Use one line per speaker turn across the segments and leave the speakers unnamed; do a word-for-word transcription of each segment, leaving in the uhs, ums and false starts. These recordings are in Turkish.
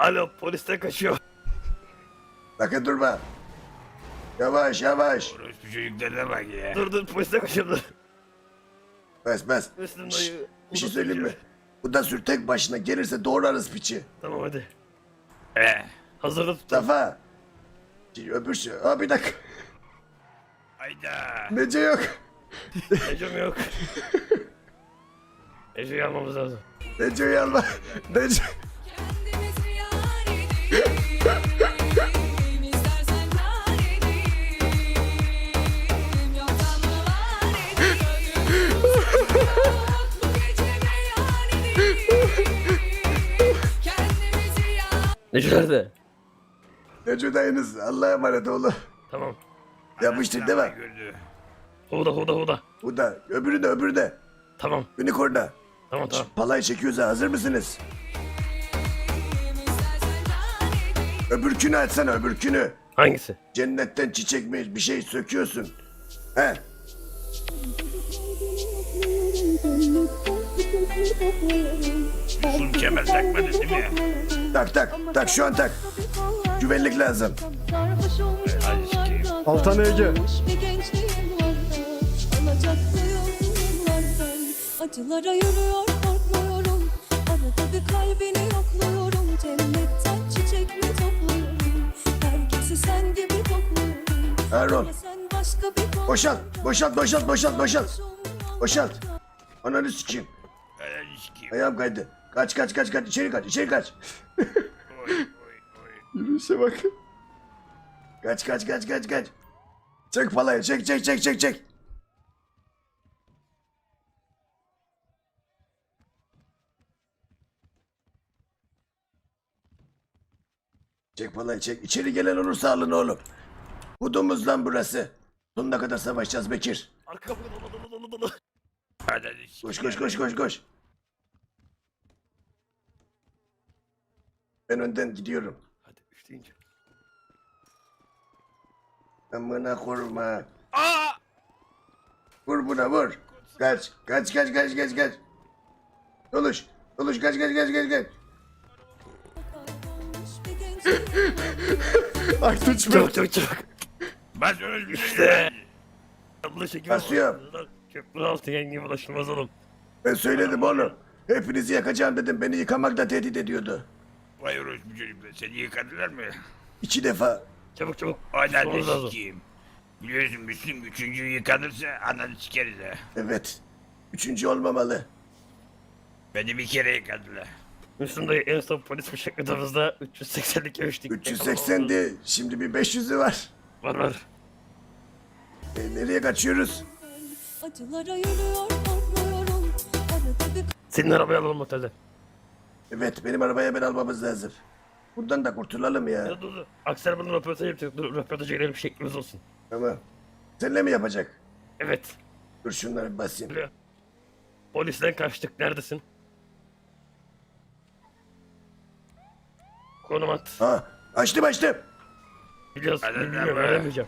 Alo, polisten kaçıyor.
Sakın durma. Yavaş yavaş.
Orospu çocuklarına bak ya.
Dur dur, polisten kaçıyor dur.
Bas bas.
Müslüm
Şşş,
dayı.
bir şey
Huda
söyleyeyim mi?
çekiyor.
Bu da sür tek başına gelirse doğrarız piçi.
Tamam hadi.
He.
Hazırda tut.
Safa. Şimdi öbür şey. Aa bir dakika.
Hayda.
Nece yok.
Ecem yok. Ece'yi almamız lazım.
Nece'yi alma. Nece.
Kendimizi yar edelim, istersen kar edelim, yoktan mı var edelim, bu gece beyan edelim, kendimizi yar.
Ece nerede?
Nece dayınız. Allah'a emanet oğlum.
Tamam.
Yapmıştık değil mi?
Gördü.
Huda huda huda.
Bu da. Öbürü de öbürü de.
Tamam.
Unicorn'da.
Tamam tamam.
Palayı çekiyoruz ha. Hazır mısınız? Öbürkünü açsana öbürkünü.
Hangisi?
Cennetten çiçek mi bir şey söküyorsun. He.
Sul kemer takmadın değil mi?
Tak tak. Tak şu an tak. Güvenlik lazım.
Hadi sikeyim.
Altan Ege.
Bir gençliğim vardı, alacaklıyım yıllardan. Acılara yürüyor korkmuyorum, arada bir kalbini yokluyorum. Cennetten çiçek mi topluyorum, herkesi sen gibi kokluyorum.
Erol.
Ama sen başka bir
Boşalt. Boşalt boşalt boşalt boşalt. Boşalt. Ananı sikeyim.
Hadi sikeyim.
Ayağım kaydı. Kaç kaç kaç kaç içeri kaç içeri kaç.
Oy oy oy.
Yürüyüşe bak. Kaç kaç kaç kaç kaç. Çek palayı çek çek çek çek çek. Çek palayı çek. İçeri gelen olursa alın oğlum. Hudumuz lan burası. Sonuna kadar savaşacağız Bekir.
Arka kapıda dolu dolu dolu dolu.
Hadi hadi sikeyim.
Koş koş koş koş koş. Ben önden gidiyorum.
Hadi üç deyince.
Amına koruma.
Aa!
Vur buna vur. Kaç. Kaç kaç kaç kaç kaç. Doluş. Doluş kaç kaç kaç kaç kaç.
kaybolmuş bir gençliğim.
Aytunç Bey.
Çabuk çabuk çabuk.
Bas orospu çocuklarına.
Allah çekim.
Basıyorum.
Köprü altı yenge ulaşılmaz oğlum.
Ben söyledim oğlum. Hepinizi yakacağım dedim. Beni yıkamakla tehdit ediyordu.
Vay orospu çocuklar. Seni yıkadılar mı?
İki defa.
Çabuk çabuk.
Hadi hadi
Tutmamız lazım.
sikeyim. Biliyorsun Müslüm üçüncü yıkanırsa ananı sikeriz ha.
Evet. Üçüncü olmamalı.
Beni bir kere yıkadılar.
Müslüm dayı en son polis bıçakladığımızda üç yüz seksenlik yemiştik.
üç yüz seksendi. Şimdi bir beş yüzü var.
Var var.
E, nereye kaçıyoruz?
Acılara yürüyor korkmuyorum, arada bir
Senin arabayı alalım otelde.
Evet benim arabaya hemen almamız lazım. Buradan da kurtulalım ya.
Ya dur dur. Aksel bunu röportaj yapacak. Dur röportaja girelim şeklimiz olsun.
Tamam. Seninle mi yapacak?
Evet.
Dur şunları bir basayım.
Biliyor. Polisten kaçtık. Neredesin? Konum at.
Ha, açtım açtım.
Biliyoruz.
Hadi
Bilmiyorum.
be.
Öğrenmeyeceğim.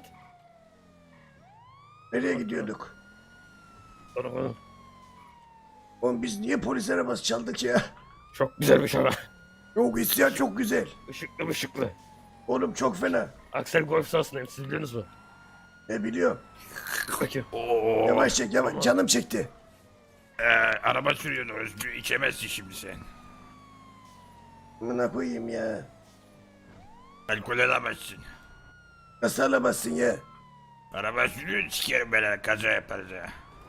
Nereye gidiyorduk?
Sonra konum.
Oğlum biz niye polis arabası çaldık ya?
Çok güzelmiş ama.
Yok isyan çok güzel.
Işıklı ışıklı.
Oğlum çok fena.
Aksel golf sahasındayım. Siz biliyorsunuz mu?
Ne biliyorum.
Bakayım.
Oo.
Yavaş çek yavaş. Canım çekti.
Ee, araba sürüyorsun orospu. İçemezsin şimdi sen.
Buna koyayım ya.
Alkol alamazsın.
Nasıl alamazsın ya?
Araba sürüyorsun sikerim ben ha. Kaza yaparız ha.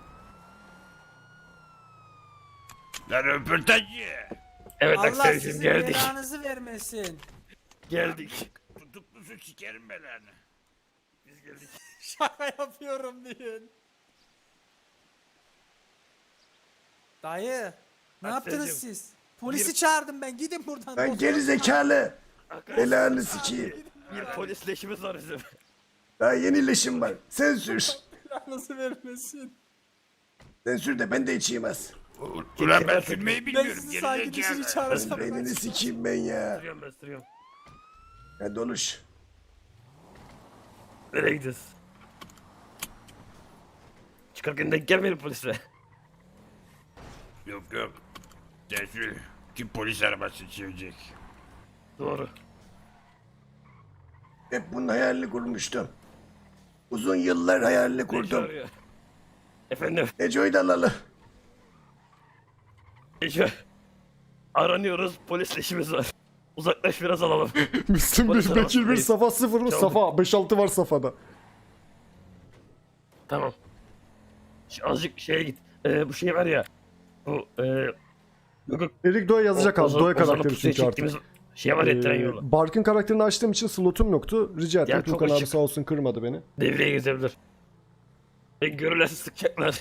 Lan röportajcı.
Evet
Allah
Aksel'cim
sizin
geldik.
belanızı vermesin.
Geldik.
Tutuklusu sikerim ben ha.
Biz geldik.
Şaka yapıyorum diyin. Dayı, ne
Akselciğim,
yaptınız siz? Polisi
bir-
çağırdım ben. Gidin buradan.
Ben
Doktor-
geri zekalı.
Arkadaşlar
Belanı sikeyim.
bir polis leşimiz var bizim.
Daha yeni leşim var. Sen sür.
Belanızı vermesin.
Sen sür de ben de içeyim az.
Ulan ben sürmeyi
Ben
bilmiyorum.
sizi sanki dişini
Gerizekalı.
çağırsam.
Beynini sikeyim ben ya.
Sürüyorum ben sürüyorum.
Hadi oluş.
Nereye gidiyoruz? Çıkarken denk gelmeyelim polisle.
Yok yok. Sen sür. Kim polis arabası çevirecek?
Doğru.
Hep bunun hayalini kurmuştum. Uzun yıllar hayalini
Neco
kurdum.
arıyor. Efendim
Neco'yu da alalım.
Neco. Aranıyoruz. Polisle işimiz var. Uzaklaş biraz alalım.
Müslüm
Polis
bir, Bekir bir,
arabasındayız.
Safa sıfır mı?
Çabuk.
Safa beş altı var Safa'da.
Tamam. Şu azıcık şeye git. Ee, bu şey var ya. Bu e, yok, yok.
Erik Doğa yazacak
O-
abi.
Ozan-
Doğa
Ozan'la
karakteri
pusuya
çünkü artık.
çektiğimiz Şey var ya tren
Ee,
yolu.
Bark'ın karakterini açtığım için slotum yoktu. Rica ettim.
Ya çok
Tukan abi
ışık.
sağ olsun kırmadı beni.
Devreye gezebilir. Ve görürlerse sıkacaklar.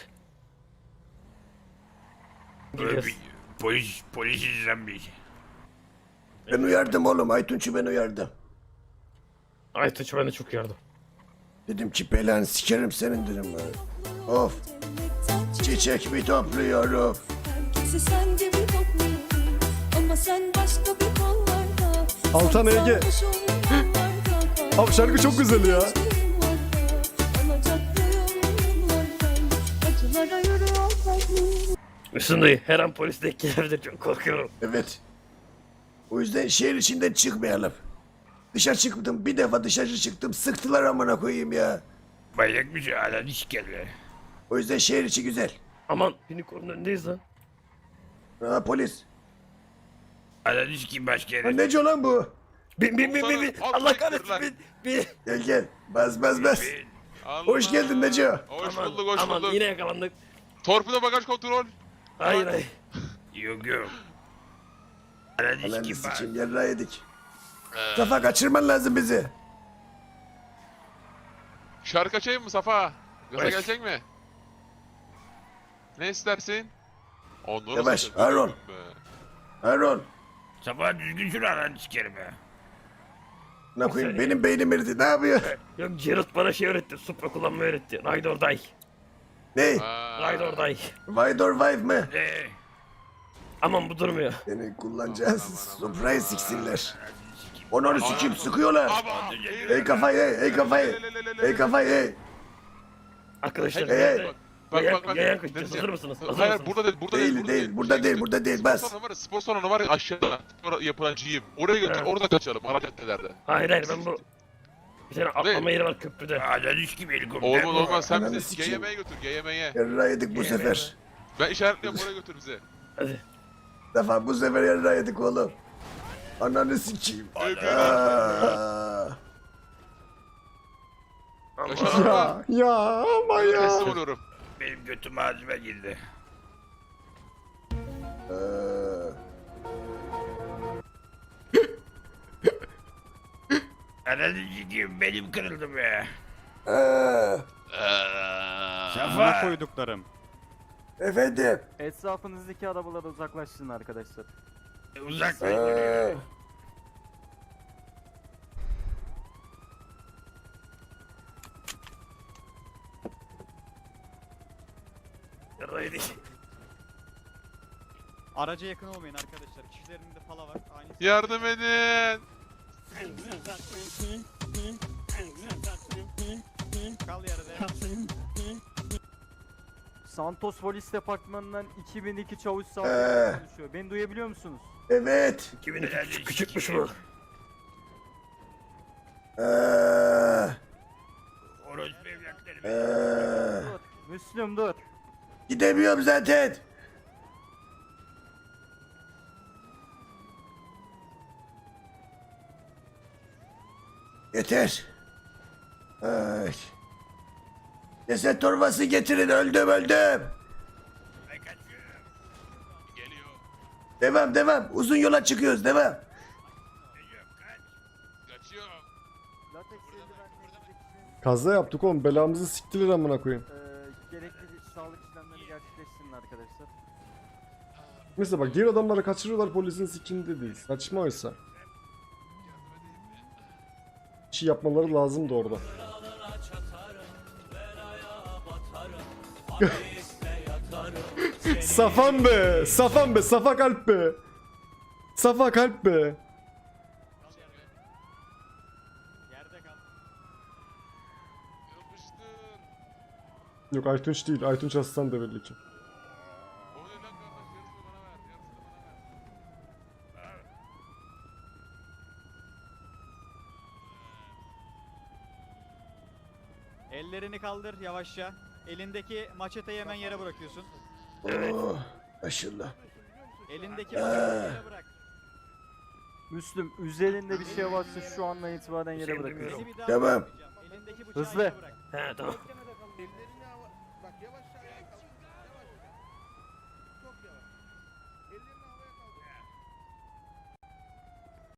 Gidiyoruz.
Polis, polis izlenmiş.
Ben uyardım oğlum. Aytunç'u ben uyardım.
Ay Tuğçe ben de çok yardım.
Dedim ki belanı sikerim senin dedim. ben. Of. Çiçek mi topluyorum?
Herkesi sen gibi topluyorum. Ama sen başka bir kollarda.
Altan
Sen
Ege.
sarhoş olun yollarda.
Abi şarkı çok güzel ya.
Gençliğim vardı, alacaklıyım yıllardan. Acılara yürüyor kalbim.
Müslüm dayı her an polis denk gelebilir çok korkuyorum.
Evet. O yüzden şehir içinden çıkmayalım. Dışarı çıktım. Bir defa dışarı çıktım. Sıktılar amına koyayım ya.
Bayrak bir şey hala diş geldi.
O yüzden şehir içi güzel.
Aman unicorn'un önündeyiz lan.
Ha polis.
Hala diş kim başka
Ha,
yere.
nece lan bu?
Bin bin bin bin bin.
Komutanım,
Allah
alt
kahretsin
sektirler.
bin bin.
Gel gel. Bas bas bas.
Allah.
Hoş geldin Neco.
Hoş
Aman,
bulduk, hoş
aman
bulduk.
yine yakalandık.
Torpido bagaj kontrol.
Hayır hayır.
Yok yok. Hala diş
Ananı
kim var?
sikeyim yarrağı yedik. Safa kaçırman lazım bizi.
Şarkı açayım mı Safa? Gaza
Baş.
gelecek mi? Ne istersin? Onları
Yavaş,
satayım.
Harun.
Be.
Harun.
Sabah düzgün sür hala diş kerime.
Ne koyayım benim beynim eridi. Ne yapıyor?
Yok Geralt bana şey öğretti. Supra kullanmayı öğretti. Ride or die.
Ne?
Ha.
Ride or die.
Ride or Vive mı?
Eee.
Aman bu durmuyor.
Seni kullanacağız. Supra'yı siksinler. Onu sikeyim sıkıyorlar.
Aba.
Ey kafayı ey, ey kafayı. Ey kafayı ey.
Arkadaşlar
Hey,
nerede?
hey.
Bak
Yayan-
bak bak.
yayan
Ne
kaçacağız.
diyeceğim?
Hazır mısınız? Hazır
Hayır
mısınız?
burada değil, burada değil,
Değil
burada
değil burada
Şey
değil
götür.
burada değil
Spor
bas.
salonu var ya, spor salonu var ya aşağıda. Spor yapılan gym. Oraya götür,
Evet.
orada kaçalım ara caddelerde.
Hayır hayır ben bu... Bir tane atlama yeri var köprüde.
Hala diş gibi helikopter.
Olmaz olmaz sen
Ananı
bizi
sikeyim.
G Y M'ye götür, G Y M'ye.
Yarrağı yedik bu sefer.
Ben işaretliyorum oraya götür bizi.
Hadi.
Defa bu sefer yarrağı yedik oğlum. Ananı sikeyim. Aa.
Yaşar
Ya
araba.
ya ama
Ben
ya.
teslim oluyorum.
Benim götüm ağzıma girdi.
Aa.
Hala diş kim benim kırıldı be.
Aa.
Safa.
koyduklarım.
Efendim.
Etrafınızdaki arabalara uzaklaştırın arkadaşlar.
Uzak
Aa.
duruyor.
Yaraydı.
Araca yakın olmayın arkadaşlar. Kişilerin de pala var. Aynı
Yardım edin.
kal yarıda. Santos Polis Departmanı'ndan iki bin iki çavuş
Ee.
sağlığı konuşuyor. Beni duyabiliyor musunuz?
Evet.
Kimin küçük, küçükmüş bu.
Aa.
Orospu evlatlarım.
Aa.
Dur. Müslüm dur.
Gidemiyorum zaten. Yeter. Ay. Ceset torbası getirin öldüm öldüm.
Ben kaçıyorum.
Geliyor.
Devam devam uzun yola çıkıyoruz devam.
Geliyorum kaç.
Kaçıyor.
Latex eldivenle
Kaza yaptık oğlum. Belamızı siktiler amına koyayım.
Eee gerekli sağlık işlemlerini gerçekleştirin arkadaşlar.
Mesela bak diğer adamları kaçırıyorlar polisin sikinde değil. Saçma oysa. Bir şey yapmaları lazımdı orada. Safan be! Safan be! Safa kalp be! Safa kalp be!
Yerde kal. Yapıştır.
Yok Aytunç değil. Aytunç Aslan da belli ki.
O ne lan kardeş? Yarısını bana ver. Yarısını bana ver.
Ellerini kaldır yavaşça. Elindeki maçeteyi hemen yere bırakıyorsun.
Oh, maşallah.
Elindeki maçeteyi yere bırak.
Müslüm üzerinde bir şey varsa şu andan itibaren yere
Şey
bırakıyorsun.
demiyorum.
Beni bir daha
Tamam.
bırakmayacağım. Elindeki bıçağı
Hızlı.
yere bırak.
He tamam.
Ellerini hava... Bak yavaş ayağa kalk. Yavaş. Çok yavaş. Ellerini